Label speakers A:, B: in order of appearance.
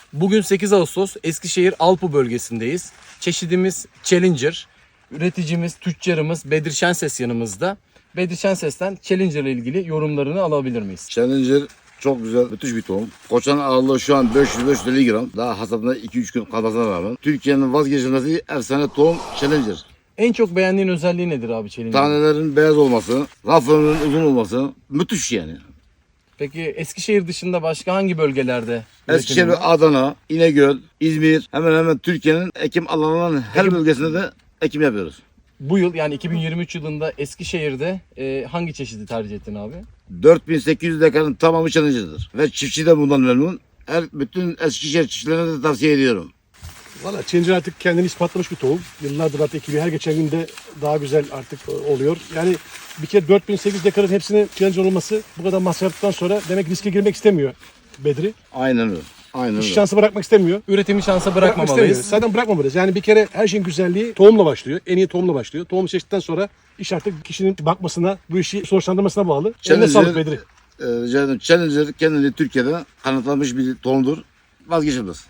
A: Bugün 8 Ağustos Eskişehir Alpu bölgesindeyiz. Çeşidimiz Challenger. Üreticimiz, tüccarımız Bedri Şenses yanımızda. Bedri Şenses'ten Challenger ile ilgili yorumlarını alabilir miyiz?
B: Challenger çok güzel, müthiş bir tohum. Koçan ağırlığı şu an 500-550 gram. Daha hasatına 2-3 gün kalmasına rağmen. Türkiye'nin vazgeçilmezi efsane tohum Challenger.
A: En çok beğendiğin özelliği nedir abi Challenger?
B: Tanelerin beyaz olması, raf ömrünün uzun olması müthiş yani.
A: Peki Eskişehir dışında başka hangi bölgelerde?
B: Eskişehir,
A: üretimi var?
B: Adana, İnegöl, İzmir hemen hemen Türkiye'nin ekim alanlarının her bölgesinde de ekim yapıyoruz.
A: Bu yıl yani 2023 yılında Eskişehir'de hangi çeşidi tercih ettin abi?
B: 4800 dekarın tamamı Challenger'dır. Ve çiftçi de bundan memnun. Bütün Eskişehir çiftçilerine de tavsiye ediyorum.
C: Valla Challenger artık kendini ispatlamış bir tohum. Yıllardır artık ekiliyor. Her geçen günde daha güzel artık oluyor. Yani bir kere 4800 dekarın hepsinin Challenger olması bu kadar masraftan sonra demek riske girmek istemiyor Bedri.
B: Aynen öyle. Aynen
C: İş
B: öyle.
C: şansı bırakmak istemiyor.
A: Üretimi şansa
C: Bırakmak istemiyor.
A: bırakmamalıyız.
C: Zaten bırakmamalıyız. Yani bir kere her şeyin güzelliği tohumla başlıyor. En iyi tohumla başlıyor. Tohumu seçtikten sonra iş artık kişinin bakmasına, bu işi sonuçlandırmasına bağlı. Eline sağlık Bedri.
B: Rica ederim. Challenger kendini Türkiye'de kanıtlanmış bir tohumdur. Vazgeçilmez.